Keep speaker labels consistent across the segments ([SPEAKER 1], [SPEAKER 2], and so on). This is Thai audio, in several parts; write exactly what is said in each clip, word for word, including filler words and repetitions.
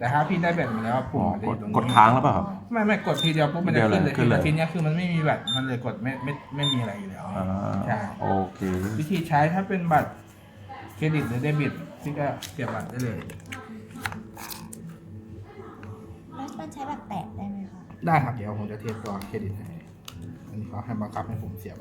[SPEAKER 1] แต่ถ้าพี่ได้แบตมาแล้วปุ่มมันจะอยู่ตรงนี้
[SPEAKER 2] กดค้างแล้วเปล่าครับ
[SPEAKER 1] ไม่ไม่กดทีเดียวปุ๊บมันจะขึ้นเลย
[SPEAKER 2] ขึ้นเลย
[SPEAKER 1] ทีนี้คือมันไม่มีแบตมันเลยกดไม่ไม่ไม่มีอะไรอยู่แล้ว
[SPEAKER 2] อ่า
[SPEAKER 1] ใช่
[SPEAKER 2] โอเค
[SPEAKER 1] วิธีใช้ถ้าเป็นบัตรเครดิตหรือเดบิตพี่ก็เสียบบัตรได้เลย
[SPEAKER 3] แล้วมันใช้แบบแตะได้ไหมคะ
[SPEAKER 1] ได้ครับเดี๋ยวผมจะเทียบตัวเครดิตให้อันนี้เขาให้บังคับให้ผมเสียบ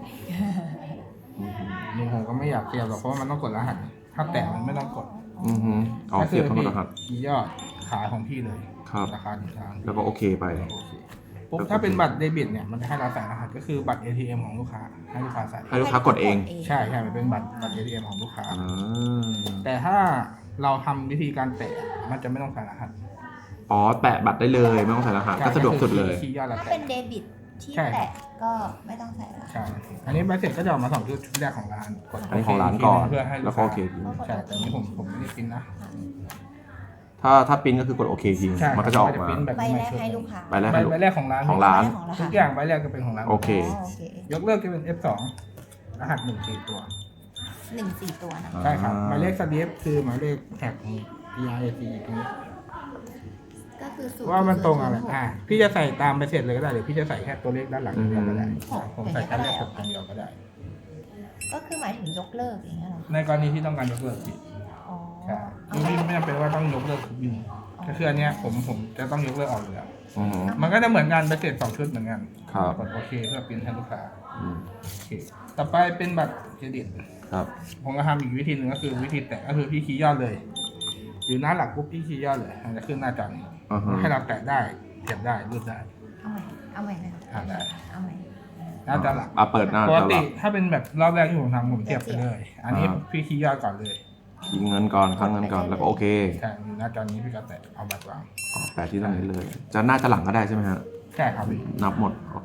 [SPEAKER 1] นี่ผมก็ไม่อยากเสียบหรอกเพราะว่ามันต้องกดรหัสถ้าแตะมันไม่ต้องกด
[SPEAKER 2] อือฮึเอาเสียบเข้ารหัส
[SPEAKER 1] คีย์ยอดขายของพี่เลย
[SPEAKER 2] ครับ
[SPEAKER 1] ราคาหนึ่งทาง
[SPEAKER 2] แล้วก็โอเคไป
[SPEAKER 1] โอเคปุ๊บถ้าเป็นบัตรเดบิตเนี่ยมันจะให้เราใส่รหัสก็คือบัตร เอ ที เอ็ม ของลูกค้าให้ลูกค้าใส่
[SPEAKER 2] ให้ลูกค้ากดเอง
[SPEAKER 1] ใช่ใช่มันเป็นบัตรบัตร เอ ที เอ็ม ของลูกค้า
[SPEAKER 2] อ่า
[SPEAKER 1] แต่ถ้าเราทำวิธีการแตะมันจะไม่ต้องใส่รหัส
[SPEAKER 2] อ๋อแปะบัตรได้เลยไม่ต้องใส่รหัสก็สะดวกสุดเลย
[SPEAKER 1] คีย์ยอดเรา
[SPEAKER 3] ถ้า
[SPEAKER 1] แตะ
[SPEAKER 3] เป็นเดบิตที่
[SPEAKER 1] ใช่
[SPEAKER 3] แตะก็ไม่ต้องใส่ละ
[SPEAKER 1] ใช่ อันนี้ใบเสร็จก็จะออกมาสองชุดชุดแรกของร้านกด
[SPEAKER 2] อันนี้ของร้านก่อน
[SPEAKER 1] เพื่อให้
[SPEAKER 2] แล้วก็โอเคที
[SPEAKER 1] ใช่แต่อันนี้ผมผมไม่ได้พิมพ์นะ
[SPEAKER 2] ถ้าถ้าปริ้นก็คือกดโอเคที
[SPEAKER 1] ใช่
[SPEAKER 2] มันก็จะออกมา
[SPEAKER 1] พิมพ์แบบ
[SPEAKER 3] ใบ
[SPEAKER 1] นี้
[SPEAKER 3] แร
[SPEAKER 1] มาก ชุด
[SPEAKER 3] ให้ลูกค้า
[SPEAKER 2] ใบแรก
[SPEAKER 1] ใบใบแรกของร้าน
[SPEAKER 2] ของร้าน
[SPEAKER 3] ของร้าน
[SPEAKER 1] ทุกอย่างใบแรกก็เป็นของร้าน
[SPEAKER 2] โอเค
[SPEAKER 3] อ๋อโอเค
[SPEAKER 1] ยกเลิกจะเป็น เอฟ สอง รหัสหนึ่งสี่ตัว
[SPEAKER 3] หนึ่งสี่ตัวนะ
[SPEAKER 1] ใช่ครับหมายเลขสลีปคือหมายเลขแท็กของ พี อาร์ เอ ซี ตรงนี้
[SPEAKER 3] ก็คือศูย์
[SPEAKER 1] ว่ามันตรงอะไร
[SPEAKER 3] ศูย์
[SPEAKER 1] อ่าพี่จะใส่ตามไปเสร็จเลยก็ได้หรือพี่จะใส่แค่ตัวเลขด้านหลังอย่างเดียวก็ได้
[SPEAKER 3] อืม
[SPEAKER 1] ผมใส่แค่เลขหกอย่างเดียวก็ได้
[SPEAKER 3] ก็คือหมายถึงยกเลิกอย่างเงี้ยเหรอ
[SPEAKER 1] ในกรณีที่ต้องการยกเลิกพี่
[SPEAKER 3] อ๋อ
[SPEAKER 1] ใช่พี่ไม่จำเป็นว่าต้องยกเลิกทุกบินก็คืออันเนี้ยผมผมจะต้องยกเลิกออกอยู่แล้ว
[SPEAKER 2] อือฮึ
[SPEAKER 1] มันก็จะเหมือนกันไปเสร็จสองชุดเหมือนกัน
[SPEAKER 2] ครับ
[SPEAKER 1] กดโอเคเพื่อปริ้นให้ลูกค้า
[SPEAKER 2] อืม
[SPEAKER 1] โอเคต่อไปเป็นบัตรเครดิต
[SPEAKER 2] ครับ
[SPEAKER 1] ผมก็ทำอีกวิธีหนึ่งก็คือวิธีแตะก็คือพี่คีย์ยอดเลย อยู่หน้าหลักปุ๊บพี่คีย์ยอดเลยมันจะขึ้นหน้าจอนี้
[SPEAKER 2] อ่าฮะ
[SPEAKER 1] ให้เราแตะได้เสียบได้รูดได้
[SPEAKER 3] เอาใหม่เอาใหม่นะ
[SPEAKER 1] อ่าได้
[SPEAKER 3] เอาใหม่
[SPEAKER 1] หน้าจอหลัก
[SPEAKER 2] อ่ะเปิดหน้า
[SPEAKER 1] ป
[SPEAKER 2] จ
[SPEAKER 1] ก
[SPEAKER 2] อห
[SPEAKER 1] ติ
[SPEAKER 2] ลัก
[SPEAKER 1] ถ้าเป็นแบบรอบแรกที่ผมทำผมเสียบไปเลย อันนี้
[SPEAKER 2] อ่า
[SPEAKER 1] พี่คีย์ยอดก่อนเลย
[SPEAKER 2] ยิงเงินก่อนค้างเงินก่อนแล้วก็โอเค
[SPEAKER 1] ใช่อยู่หน้าจอนี้พี่ก็แตะเอาบัตรวาง
[SPEAKER 2] อ๋อแปะที่ตรงนี้เลย จะหน้าจะหลังก็ได้ใช่ไหมฮะ
[SPEAKER 1] ใช่ครับพี่
[SPEAKER 2] นับหมดโอเค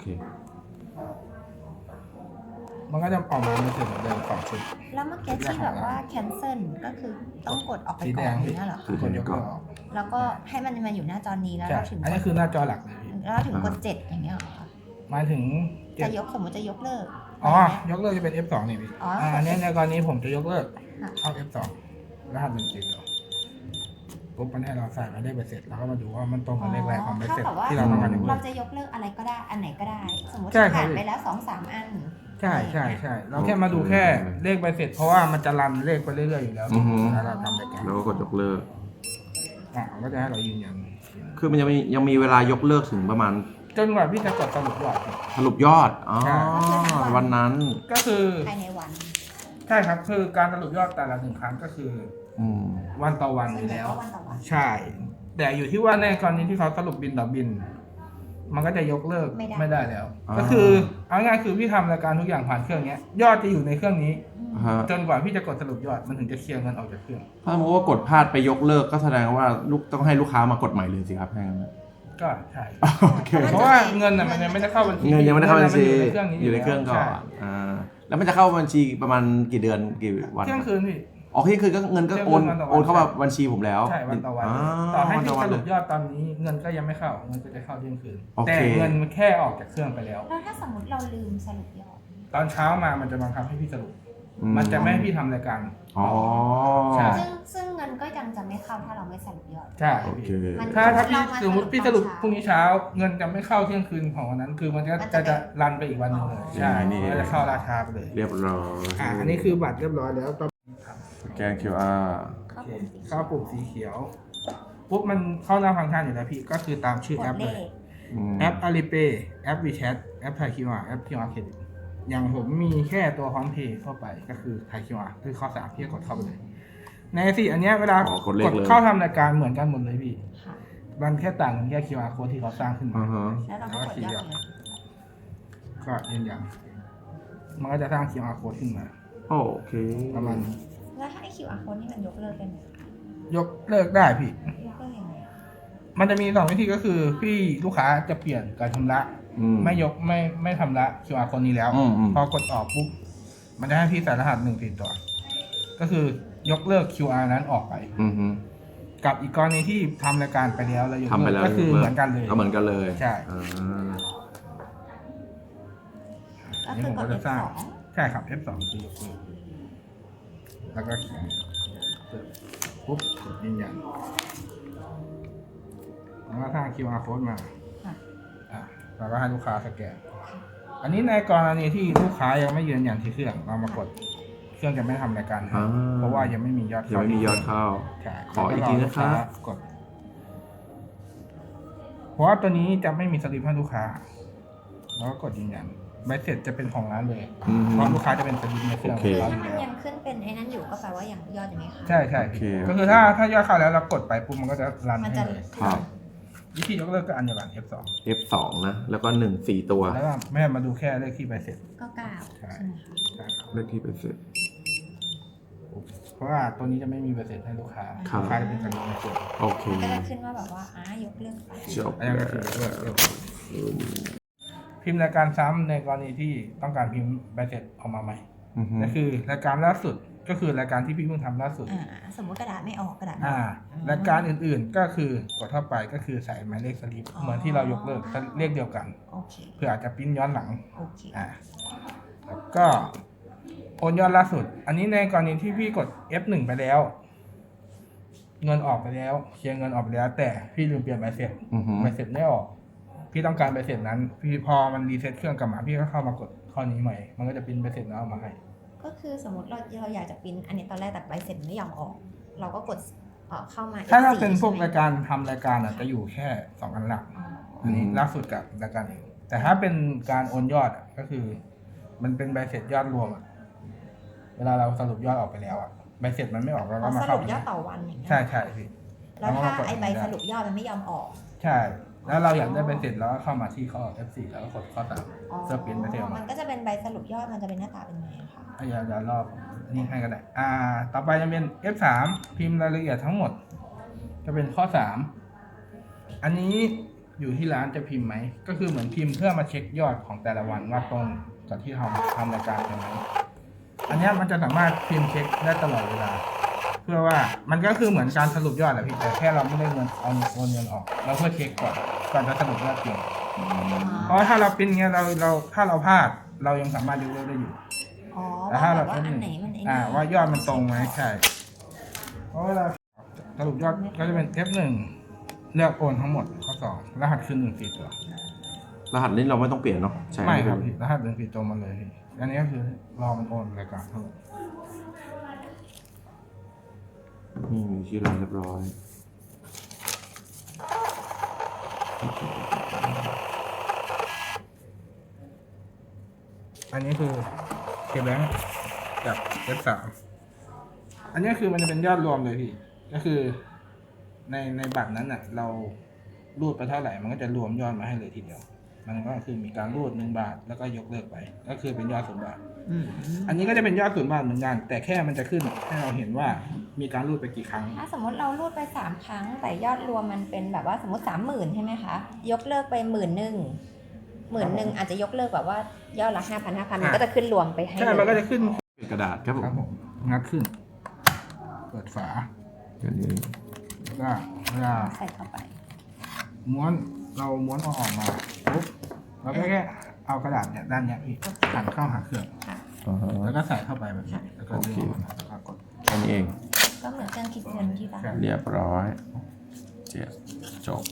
[SPEAKER 1] มันก็จะออกมาเป็นเหมือนเดิมสองชุด
[SPEAKER 3] แล้วเมื่อกี้ที่แบบว่า cancel ก็คือต้องกดออกไป
[SPEAKER 1] สี
[SPEAKER 3] ก่
[SPEAKER 1] แด
[SPEAKER 3] อน
[SPEAKER 1] ง
[SPEAKER 3] อย่างเงี้ยเหรอ
[SPEAKER 2] คือ
[SPEAKER 1] กดยกเลิกออก
[SPEAKER 3] แล้วก็ให้มันมาอยู่หน้าจอนี้แล้ว
[SPEAKER 1] ใช่
[SPEAKER 3] เราถึง
[SPEAKER 1] อันนี้คือหน้าจอหลักเลยพี่
[SPEAKER 3] แล้วเราถึงกดเจ็ดอย่างเงี้ยเหรอ
[SPEAKER 1] หมายถึงเจ็
[SPEAKER 3] จะ
[SPEAKER 1] ด
[SPEAKER 3] ยกสมมติจะยกเลิก
[SPEAKER 1] อ๋อ ยกเลิกจะเป็น เอฟ สอง นี่พี่
[SPEAKER 3] อ๋ออ่
[SPEAKER 1] อ่าอันนี้ในกรณีผมจะยกเลิก
[SPEAKER 3] ค่ะ
[SPEAKER 1] เข้า เอฟ สอง รหัสหนึ่งสี่ตัวปุ๊บมันให้เราใส่มาได้ใบเสร็จแล้วก็มาดูว่ามันตรงกับเลขแรกของใบ
[SPEAKER 3] เท่า
[SPEAKER 1] เสร็จ
[SPEAKER 3] กับว่า
[SPEAKER 1] ที่เราต้องการยกเลิ
[SPEAKER 3] เรา
[SPEAKER 1] ก
[SPEAKER 3] จะยกเลิกอะไรก็ได้ อันไหนก็ได้ สมมติ
[SPEAKER 1] ใช่ครับ
[SPEAKER 3] ผ่านไปแล้วสองสามอัน
[SPEAKER 1] ใช่ใช่ใช่เราแค่มาดูแค่เลขใบเสร็จ เพราะว่ามันจะรันเลขไปเรื่อยๆอยู่แล้ว
[SPEAKER 2] อือฮึ
[SPEAKER 1] ถ้าเราทำรายการ
[SPEAKER 2] แล้วก็กดยกเลิก
[SPEAKER 1] อ่ะมันก็จะให้เรายืนยัน
[SPEAKER 2] คือมันยังมียังมีเวลายกเลิกถึงประมาณ
[SPEAKER 1] จนกว่าพี่จะกดสรุปยอดครับ
[SPEAKER 2] สรุปยอด อ๋อ
[SPEAKER 1] ใช่
[SPEAKER 2] วันนั้น
[SPEAKER 1] ก็คือ
[SPEAKER 3] ภายในวัน
[SPEAKER 1] ใช่ครับคือการสรุปยอดแต่ละหนึ่งครั้งก็คือ
[SPEAKER 2] อืม
[SPEAKER 1] วันต่อวันอยู่แล้ว
[SPEAKER 3] วันต่อวัน
[SPEAKER 1] ใช่ แต่อยู่ที่ว่าในกรณีที่เขาสรุปบินต่อบิน มันก็จะยกเลิก
[SPEAKER 3] ไม่ได้
[SPEAKER 1] ไม่ได้แล้ว
[SPEAKER 2] อ่า
[SPEAKER 1] ก็คือเอาง่ายๆคือพี่ทำรายการทุกอย่างผ่านเครื่องเนี้ย ยอดจะอยู่ในเครื่องนี้
[SPEAKER 2] ฮะ
[SPEAKER 1] จนกว่าพี่จะกดสรุปยอดมันถึงจะเคลียร์เงินออกจากเครื่อง
[SPEAKER 2] ถ้าสมมติว่ากดพลาดไปยกเลิกก็แสดงว่าลูกต้องให้ลูกค้ามากดใหม่เลยสิครับให้งั้นนะ
[SPEAKER 1] ก็ใช่
[SPEAKER 2] โอเค
[SPEAKER 1] เพราะว่าเงินน่ะมันยังไม่ได้เข้าบัญชี
[SPEAKER 2] เงินยังไม่ได้เข้าบัญชี
[SPEAKER 1] เงินมันอยู่ในเครื่องนี้
[SPEAKER 2] อยู่ในเครื่องก่อน
[SPEAKER 1] ใช่
[SPEAKER 2] อ่าแล้วมันจะเข้าบัญชีประมาณกี่เดือนกี่วัน
[SPEAKER 1] เที่ยงคืนพี่
[SPEAKER 2] อ๋อเที่ยงคืนก็เงินก็โอน
[SPEAKER 1] เที่ยงคืนวันต่อวัน
[SPEAKER 2] โอนเข้ามาบัญชีผมแล้ว
[SPEAKER 1] ใช่วันต่อวัน
[SPEAKER 2] า
[SPEAKER 1] ต่อให้
[SPEAKER 2] วัน
[SPEAKER 1] พี่
[SPEAKER 2] ต่อวั
[SPEAKER 1] ส
[SPEAKER 2] น
[SPEAKER 1] รุ
[SPEAKER 2] เล
[SPEAKER 1] ป
[SPEAKER 2] ย
[SPEAKER 1] ยอดตอนนี้เงินก็ยังไม่เข้าเงินก็จะเข้าเที่ยงคืน
[SPEAKER 2] โอเค
[SPEAKER 1] แต่เงินมันแค่ออกจากเครื่องไปแล้ว
[SPEAKER 3] แล้วถ้าสมมติเราลืมสรุปยอด
[SPEAKER 1] ตอนเช้ามามันจะบังคับให้พี่สรุป
[SPEAKER 2] อื
[SPEAKER 1] มันจะไม่ให้พี่ทำรายการ
[SPEAKER 2] อ๋อ
[SPEAKER 1] ใช่
[SPEAKER 3] ซึ่งซึ่งเงินก็ยังจะไม่เข้าถ้าเราไม่สรุปยอด
[SPEAKER 1] ใช่
[SPEAKER 2] โอเค
[SPEAKER 3] มัน
[SPEAKER 1] ถ้าถ้าพี่
[SPEAKER 3] เรามา
[SPEAKER 1] สมมติพี่ส
[SPEAKER 3] สรุ
[SPEAKER 1] รุป
[SPEAKER 3] ปตอนเช้า
[SPEAKER 1] พรุ่งนี้เช้า เงินจะไม่เข้าเที่ยงคืนของวันนั้น คือมันก็
[SPEAKER 3] มัน
[SPEAKER 1] จะ
[SPEAKER 3] จะ
[SPEAKER 1] จะรันไปอีกวันหนึ่งเลย
[SPEAKER 3] อ๋อ
[SPEAKER 1] ใช่
[SPEAKER 2] นี่
[SPEAKER 1] มันจะเข้าราชาไปเลย
[SPEAKER 2] เรียบร้อย
[SPEAKER 1] อ่าอันนี้คือบัตรเรียบร้อยแล้วต่อ
[SPEAKER 2] สแกน คิว อาร์
[SPEAKER 3] เข้า
[SPEAKER 1] โอเค
[SPEAKER 3] ปุ่มสี
[SPEAKER 1] เข้าปุ่มสีเขียวปุ๊บมันเข้าหน้าฟังก์ชันอยู่แล้วพี่ก็คือตามชื่อก แอ
[SPEAKER 3] ด
[SPEAKER 1] ป
[SPEAKER 3] เล
[SPEAKER 1] เลย
[SPEAKER 3] ข
[SPEAKER 1] แอป Alipay แอป WeChat แอป Thai คิว อาร์ แอป คิว อาร์ Credit อย่างผมมีแค่ตัวพร้อมเพย์ทั่วไปก็คือ Thai คิว อาร์ คือข้อสามพี่ก็กดเข้าไปเลย ในสี่อันเนี้ยเวลา
[SPEAKER 2] อ๋อกดเลข
[SPEAKER 1] กด
[SPEAKER 2] เลย
[SPEAKER 1] เข้าทำรายการเหมือนกันหมดเลยพี่
[SPEAKER 3] ค่ะ
[SPEAKER 1] มันแค่ต่างกันแค่ คิว อาร์ code ที่เขาสร้างขึ้นมา
[SPEAKER 2] อ่าฮะ
[SPEAKER 3] แล้วเราก็กดยอดเลย
[SPEAKER 1] ก็ยืนยันมันก็จะสร้าง คิว อาร์ code ขึ้นมา
[SPEAKER 2] โอเค
[SPEAKER 1] ประมาณนี้
[SPEAKER 3] แล้วถ้าไอ คิว อาร์ code นี่มันยกเลิกได้ไหม
[SPEAKER 1] ยกเลิกได้พี่
[SPEAKER 3] ยกเลิกยังไง
[SPEAKER 1] มันจะมีสองวิธีก็คือพี่ลูกค้าจะเปลี่ยนการชำระ
[SPEAKER 2] อืม
[SPEAKER 1] ไม่ยกไม่ไม่ทำละ คิว อาร์ code นี้แล้ว
[SPEAKER 2] อืมอืม
[SPEAKER 1] พอกดออกปุ๊บ มันจะให้พี่ใส่รหัสหนึ่งติดตัว ก็คือยกเลิก คิว อาร์ นั้นออกไป
[SPEAKER 2] อืมฮึ
[SPEAKER 1] กับอีกกรณีที่ทำรายการไปแล้วแล้วยก
[SPEAKER 2] ทำไป
[SPEAKER 1] เลิก
[SPEAKER 2] แล้ว
[SPEAKER 1] ก็คือเหมือนกันเลย
[SPEAKER 2] ก็เหมือนกันเลย
[SPEAKER 1] ใช่
[SPEAKER 2] อ่า
[SPEAKER 3] ก็คือกด F สอง
[SPEAKER 1] ใช่ครับ เอฟ สอง คือยกเลิกแล้วก็เขียนปุ๊บกดยืนยันก็สร้าง คิว อาร์ code มา
[SPEAKER 3] ค่ะ
[SPEAKER 1] อ่ะเราก็ให้ลูกค้าสแกน อันนี้ในกรณีที่ลูกค้ายังไม่ยืนยันที่เครื่องเรามากดเครื่องจะไม่ทำรายการให้
[SPEAKER 2] อ่า
[SPEAKER 1] เพราะว่ายังไม่มียอด
[SPEAKER 2] ยัง
[SPEAKER 1] เข้า
[SPEAKER 2] ไม่มียอดเข้า
[SPEAKER 1] ใช่
[SPEAKER 2] ขออีกทีนะครับ
[SPEAKER 1] แล้วก็อลูกากด เพราะว่าตัวนี้จะไม่มีสลิปให้ลูกค้า แล้วก็กดยืนยันใบเสร็จจะเป็นของร้านเลย
[SPEAKER 2] อืม
[SPEAKER 1] เพราะลูกค้าจะเป็นสลิปในเครื่อง
[SPEAKER 2] โอเค
[SPEAKER 1] ของ
[SPEAKER 3] ถ้า
[SPEAKER 1] เราอ
[SPEAKER 3] มัน
[SPEAKER 1] ยู่แล้ว
[SPEAKER 3] ยังขึ้นเป็นไอ้นั้นอยู่ก็แปลว่ายังยอดยังไม่เข้า
[SPEAKER 1] ใช่ใช่
[SPEAKER 2] โอเค
[SPEAKER 1] ก็คือถ้าถ้ายอดเข้าแล้วเรากดไปปุ๊บมันก็จะรัน
[SPEAKER 3] มัน
[SPEAKER 1] ให้
[SPEAKER 3] จะ
[SPEAKER 1] เลย
[SPEAKER 2] ครับ
[SPEAKER 1] วิธียกเลิกก็อันเดียวกัน เอฟ สอง
[SPEAKER 2] เอฟ สอง นะ แล้วก็หนึ่งสี่ตัว
[SPEAKER 1] แล้วก็แม่มาดูแค่เลขที่ใบเสร็จ
[SPEAKER 3] ก็เก้า
[SPEAKER 1] ใช่
[SPEAKER 3] ใช่ไหมคะ
[SPEAKER 1] ใช่ครับ
[SPEAKER 2] เลขที่เป็นเสร็จ
[SPEAKER 1] เพราะว่าตัวนี้จะไม่มีใบเสร็จให้ลูกค้า
[SPEAKER 2] ครับ
[SPEAKER 1] ลูกค้าจะเป็นสลิปในเครื่อง
[SPEAKER 2] โอเค
[SPEAKER 3] ก็จะขึ้นว่าแบบว่าอ่ายกเลิกไป
[SPEAKER 2] จบ
[SPEAKER 1] อันนี้ก็คือเลิกเลิก
[SPEAKER 2] อืม
[SPEAKER 1] พิมพ์รายการซ้ำในกรณีที่ต้องการพิมพ์ใบเสร็จออกมาใหม่
[SPEAKER 2] อือฮึ
[SPEAKER 1] ก็คือรายการล่าสุดก็คือรายการที่พี่เพิ่งทำล่าสุด
[SPEAKER 3] อ่าสมมติกระดาษไม่ออกกระดาษไม่
[SPEAKER 1] อ่า
[SPEAKER 3] ออก
[SPEAKER 1] รายการอื่นๆก็คือกดเข้าไปก็คือใส่หมายเลขสลิป
[SPEAKER 3] อ๋อ
[SPEAKER 1] เหมือนที่เรายกเลิกเลขเดียวกัน
[SPEAKER 3] โอเค
[SPEAKER 1] เพื่ออาจจะปริ้นย้อนหลัง
[SPEAKER 3] โอเค
[SPEAKER 1] อ่าแล้วก็โอนยอดล่าสุด อันนี้ในกรณีที่พี่กด เอฟ หนึ่ง ไปแล้ว เงินออกไปแล้วเคลียร์เงินออกไปแล้ว แต่พี่ลืมเปลี่ยนใบเสร็จ
[SPEAKER 2] อือฮึ
[SPEAKER 1] ใบเสร็จไม่ออก พี่ต้องการใบเสร็จนั้น พี่พอมันรีเซ็ตเครื่องกลับมาพี่ก็เข้ามากดข้อนี้ใหม่ มันก็จะปริ้นใบเสร็จแล้วเอามาให้
[SPEAKER 3] ก็คือสมมติเราเราอยากจะปริ้นอันนี้ตอนแรกแต่ใบเสร็จไม่ยอมออก เราก็กดเอ่อเข้ามา
[SPEAKER 1] ถ้าเรา
[SPEAKER 3] เอฟโฟร์
[SPEAKER 1] เป็นพวก
[SPEAKER 3] ใช่ไหม
[SPEAKER 1] รายการทำรายการอ่ะจะอยู่แค่สองอันหลัก
[SPEAKER 3] อ๋อ
[SPEAKER 1] อันนี้
[SPEAKER 2] อืม
[SPEAKER 1] ล่าสุดกับรายการเองแต่ถ้าเป็นการโอนยอดอะก็คือ มันเป็นใบเสร็จยอดรวมอะเวลาเราสรุปยอดออกไปแล้วอ่ะใบเสร็จมันไม่ออกเรา
[SPEAKER 3] อ๋
[SPEAKER 1] ก็
[SPEAKER 3] อ
[SPEAKER 1] มา
[SPEAKER 3] ส
[SPEAKER 1] เข้า
[SPEAKER 3] รุปยอดต่อวันอย่างเงี้ย
[SPEAKER 1] ใช่ใช่พี่
[SPEAKER 3] แล้วถ้า
[SPEAKER 1] เรก็มกด
[SPEAKER 3] ไอใบสรุปยอดมันไม่ยอมออก
[SPEAKER 1] ใช่ แล้วเราอยากได้ใบเสร็จแล้วก็เข้ามาที่ข้อ เอฟ โฟร์ แล้วก็กดข้อสาม
[SPEAKER 3] อ๋อ
[SPEAKER 1] เพื่อปริ้นใบเสร็จออก
[SPEAKER 3] มั
[SPEAKER 1] มาน
[SPEAKER 3] ก็จะเป็นใบสรุปยอดมันจะเป็นหน้าตาเป็นไงอะคะ
[SPEAKER 1] อ่ะอย่าอย่ารอบอันนี้ให้ก็ได้ อ่า ต่อไปจะเป็น เอฟ สาม พิมพ์รายละเอียดทั้งหมด จะเป็นข้อสามอันนี้อยู่ที่ร้านจะพิมพ์ไหม ก็คือเหมือนพิมพ์เพื่อมาเช็คยอดของแต่ละวันว่าตรงกับที่ทำทำรายการใช่ไหมอันเนี้ยมันจะสามารถพิมพ์เช็คได้ตลอดเวลา เพื่อว่ามันก็คือเหมือนการสรุปยอดแหละพี่แต่แค่เราไม่ได้เงินเอาโอนเงินออก เราเพื่อเช็คก่อนก่อนจะสรุปยอดจริงเพราะว่าถ้าเราเป็นเงี้ยเราเราถ้าเราพลาดเรายังสามารถยกเลิกได้อยู่
[SPEAKER 3] อ๋อ
[SPEAKER 1] แต่
[SPEAKER 3] ว่า
[SPEAKER 1] ถ้า
[SPEAKER 3] แบ
[SPEAKER 1] เรา
[SPEAKER 3] บว่า
[SPEAKER 1] เป็น
[SPEAKER 3] อันไหนมันไอ้นี่
[SPEAKER 1] อ่าว่ายอดมันตรงไหมใช่ เพราะเวลาสรุปยอดก็จะเป็น เอฟ หนึ่ง เลือกโอนทั้งหมดข้อสองรหัสคือหนึ่งสี่ตัว
[SPEAKER 2] รหัสนี้เราไม่ต้องเปลี่ยนเนาะใช่
[SPEAKER 1] ไม่ครับพี่รหัสหนึ่งสี่ตัวมาเลยพี่อันนี้ก็คือรอมันโอนรายการทั้งหมด
[SPEAKER 2] นี่มีชื่อร้านเรียบร้อย
[SPEAKER 1] อันนี้คือเคแบงกับ เอฟ สาม อันนี้คือมันจะเป็นยอดรวมเลยพี่ ก็คือ ในในบัตรนั้นอ่ะ เรารูดไปเท่าไหร่มันก็จะรวมยอดมาให้เลยทีเดียว มันก็คือมีการรูดหนึ่งบาทแล้วก็ยกเลิกไป ก็คือเป็นยอดศูนย์บาท
[SPEAKER 3] อืม
[SPEAKER 1] อันนี้ก็จะเป็นยอดศูนย์บาทเหมือนกัน แต่แค่มันจะขึ้นให้เราเห็นว่ามีการรูดไปกี่ครั้ง
[SPEAKER 3] ถ้าสมมติเรารูดไปสามครั้ง แต่ยอดรวมมันเป็นแบบว่าสมมติสามหมื่นใช่ไหมคะ ยกเลิกไปหมื่นหนึ่งหมื่นหนึ่งอาจจะยกเลิกแบบว่ายอดละห้าพันห้าพันมันก็จะขึ้นรวมไปให้
[SPEAKER 1] ใช่
[SPEAKER 3] เลย
[SPEAKER 1] มันก็จะขึ้น
[SPEAKER 2] เป็นกระดาษครับผ
[SPEAKER 1] ครับ
[SPEAKER 2] ม
[SPEAKER 1] ผม งัดขึ้น เปิดฝา
[SPEAKER 2] อันนี้
[SPEAKER 1] แล้วก็เวลา
[SPEAKER 3] ใส่เข้าไป
[SPEAKER 1] ม้วนเราม้วนเอาออกมาปุ๊บเราก็แค่เอากระดาษเนี่ยด้านเนี้ยพี่หันเข้าหาเครื่อง
[SPEAKER 2] อ่าฮะ
[SPEAKER 1] แล้วก็ใส่เข้าไปแบบนี้แล้วก็ดึง
[SPEAKER 2] โอเค
[SPEAKER 1] ออกมาแล้วก็กด
[SPEAKER 2] แค่นี้เอง
[SPEAKER 3] ก็เหมือนเครื่องคิดเงินที่บ้าน
[SPEAKER 2] เรียบร้อย เจ็ดจบ